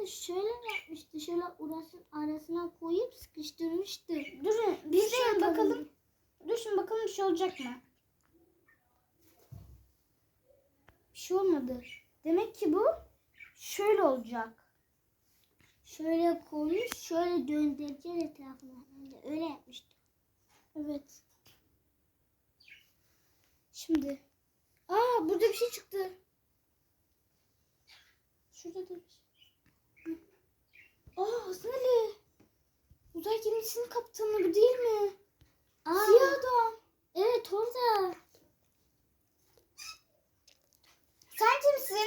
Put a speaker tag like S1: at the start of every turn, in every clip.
S1: de şöyle yapmıştı. Şöyle arasına koyup sıkıştırmıştı.
S2: Durun biz de bakalım. Dur şimdi bakalım bir şey olacak mı? Bir şey olmadı. Demek ki bu şöyle olacak.
S1: Şöyle koymuş, şöyle döndüreceğiz etrafına. Öyle yapmıştı.
S2: Evet. Şimdi. Burada bir şey çıktı. Şurada da bir şey. Hasan Ali. Uzay gemisinin kaptanı bu değil mi? Siyah adam.
S1: Evet orada.
S2: Sen kimsin?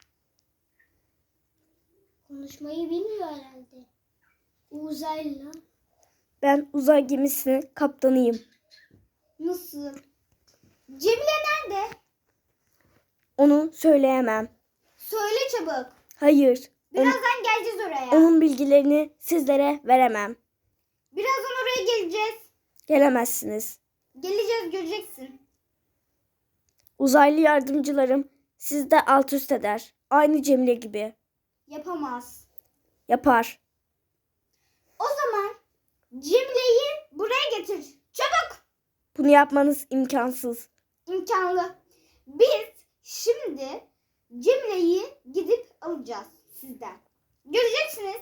S1: Konuşmayı bilmiyor herhalde. Uzaylı.
S3: Ben uzay gemisinin kaptanıyım.
S2: Nasıl? Cemile nerede?
S3: Onu söyleyemem.
S2: Söyle çabuk.
S3: Hayır.
S2: Birazdan geleceğiz oraya.
S3: Onun bilgilerini sizlere veremem.
S2: Birazdan oraya geleceğiz.
S3: Gelemezsiniz.
S2: Geleceğiz, göreceksin.
S3: Uzaylı yardımcılarım sizde alt üst eder. Aynı Cemile gibi.
S2: Yapamaz.
S3: Yapar.
S2: O zaman Cemile'yi buraya getir. Çabuk.
S3: Bunu yapmanız imkansız.
S2: İmkanlı. Biz şimdi Cemile'yi gidip alacağız sizden. Göreceksiniz.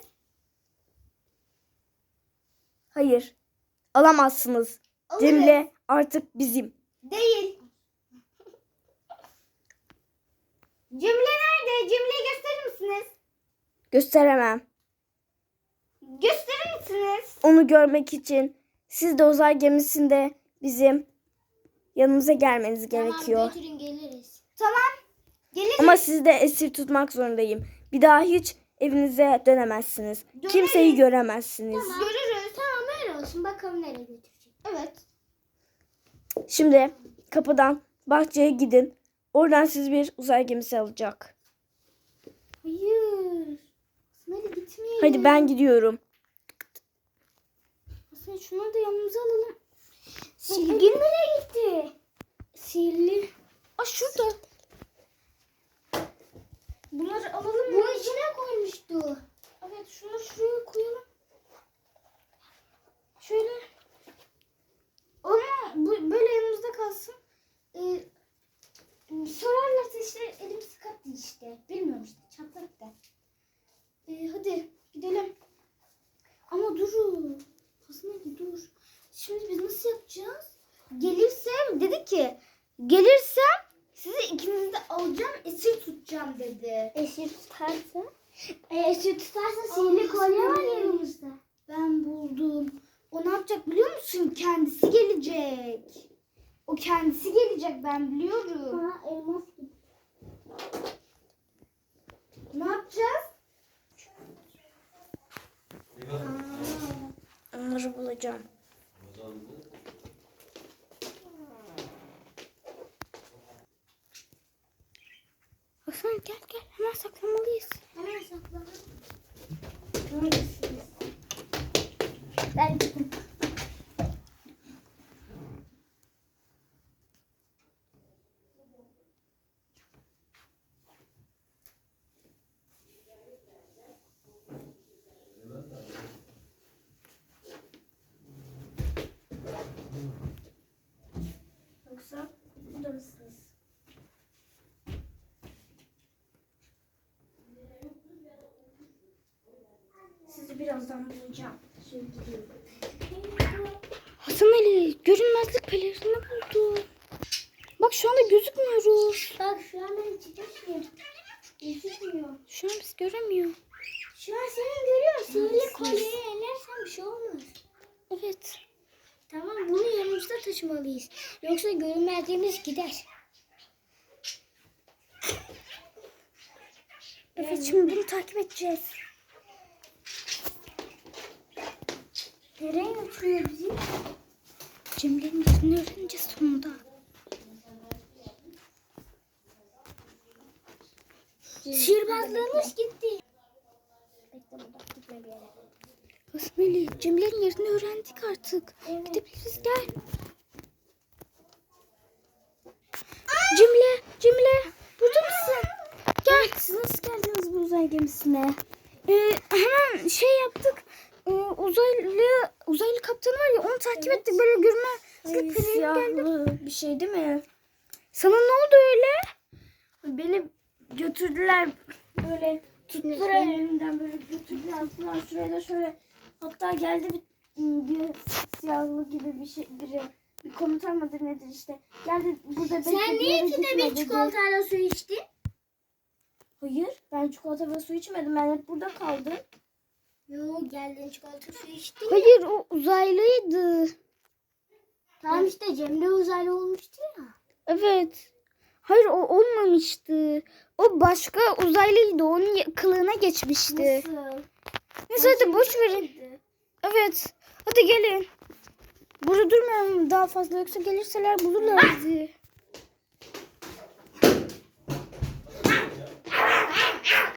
S3: Hayır. Alamazsınız.
S2: Alırız.
S3: Cemile artık bizim.
S2: Değil. Cemile nerede? Cemile'yi gösterir misiniz?
S3: Gösteremem.
S2: Gösterir misiniz?
S3: Onu görmek için siz de uzay gemisinde bizim yanımıza gelmeniz gerekiyor.
S1: Tamam götürün geliriz.
S2: Tamam. Geliriz.
S3: Ama sizi de esir tutmak zorundayım. Bir daha hiç evinize dönemezsiniz.
S2: Döneriz.
S3: Kimseyi göremezsiniz.
S1: Tamam.
S2: Görürüz.
S1: Tamam öyle olsun. Bakalım nereye götürecek.
S2: Evet.
S3: Şimdi kapıdan bahçeye gidin. Oradan sizi bir uzay gemisi alacak.
S2: Hayır. Hadi gitmeyelim.
S3: Hadi ben gidiyorum.
S2: Hasan şunları da yanımıza alalım.
S1: Silgi nereye gitti?
S2: Sihirli. Şurada. Bunları alalım mı?
S1: Bunun içine koymuştu.
S2: Evet şunları şuraya koyalım. Şöyle. Ama böyle yanımızda kalsın. Sorarlarsa işte elim sıkattı işte. Bilmiyorum işte çatlak da. Hadi gidelim. Ama durun. Hasan Ali dur. Şimdi biz nasıl yapacağız? Gelirsem dedi ki gelirsem sizi ikinizi de alacağım esir tutacağım dedi.
S1: Esir tutarsa? Esir tutarsa sihirli
S2: Allah
S1: kolye var
S2: seni.
S1: yanımızda.
S2: Ben buldum. O ne yapacak biliyor musun? Kendisi gelecek. O kendisi gelecek ben biliyorum.
S1: Ha elmas gibi.
S2: Ne yapacağız?
S3: Onları bulacağım.
S2: Hasan gel hemen saklamalıyız.
S1: Hemen saklanalım.
S2: Neredesiniz?
S1: Ben gittim.
S2: Yoksa burada mısınız? Sizi birazdan bulacağım. Şimdi gidiyorum. Hasan Ali görünmezlik pelerini buldu. Bak şu anda gözükmüyoruz.
S1: Bak şu an ben çıkmışım. Gözükmüyor.
S2: Şu an biz göremiyor.
S1: Şu an seni görüyorum. Sihirli
S2: Neredesiniz?
S1: kolyeyi ellersen bir şey olmaz.
S2: Evet.
S1: Tamam bunu yanımızda taşımalıyız. Yoksa görünmezliğimiz gider.
S2: Evet şimdi bunu takip edeceğiz.
S1: Nereye götürüyor bizi?
S2: Cemile'nin yerini öğreneceğiz sonunda.
S1: Sihirbazlığımız gitti. Bekle burada gitme bir yere.
S2: Hasan Ali Cemile'nin yerini öğrendik artık.
S1: Evet.
S2: Gidebiliriz gel. Cemile burada mısın? Gel. Siz nasıl geldiniz bu uzay gemisine? Hemen şey yaptık. Uzaylı kaptanı var ya onu takip ettik. Böyle
S3: Ay,
S2: görünmez.
S3: siyahlı bir şey değil mi?
S2: Sana ne oldu öyle?
S3: Beni götürdüler böyle tuttular elimden böyle götürdüler falan şuraya da şöyle. Hatta geldi bir siyahlı gibi bir şey biri. Bir komutan mıdır nedir işte. Geldi burada bekle.
S1: Sen niye ikide bir çikolatayla su içtin?
S3: Hayır ben çikolata ve su içmedim. Ben hep burada kaldım.
S1: Yo geldin çikolata su içtin.
S2: Hayır o uzaylıydı.
S1: Tamam işte Cemre uzaylı olmuştu ya.
S2: Evet. Hayır o olmamıştı. O başka uzaylıydı. Onun kılığına geçmişti.
S3: Nasıl?
S2: Neyse hadi boş verin. Evet. Hadi gelin. Burada durmayalım daha fazla yoksa gelirseler bulurlar bizi.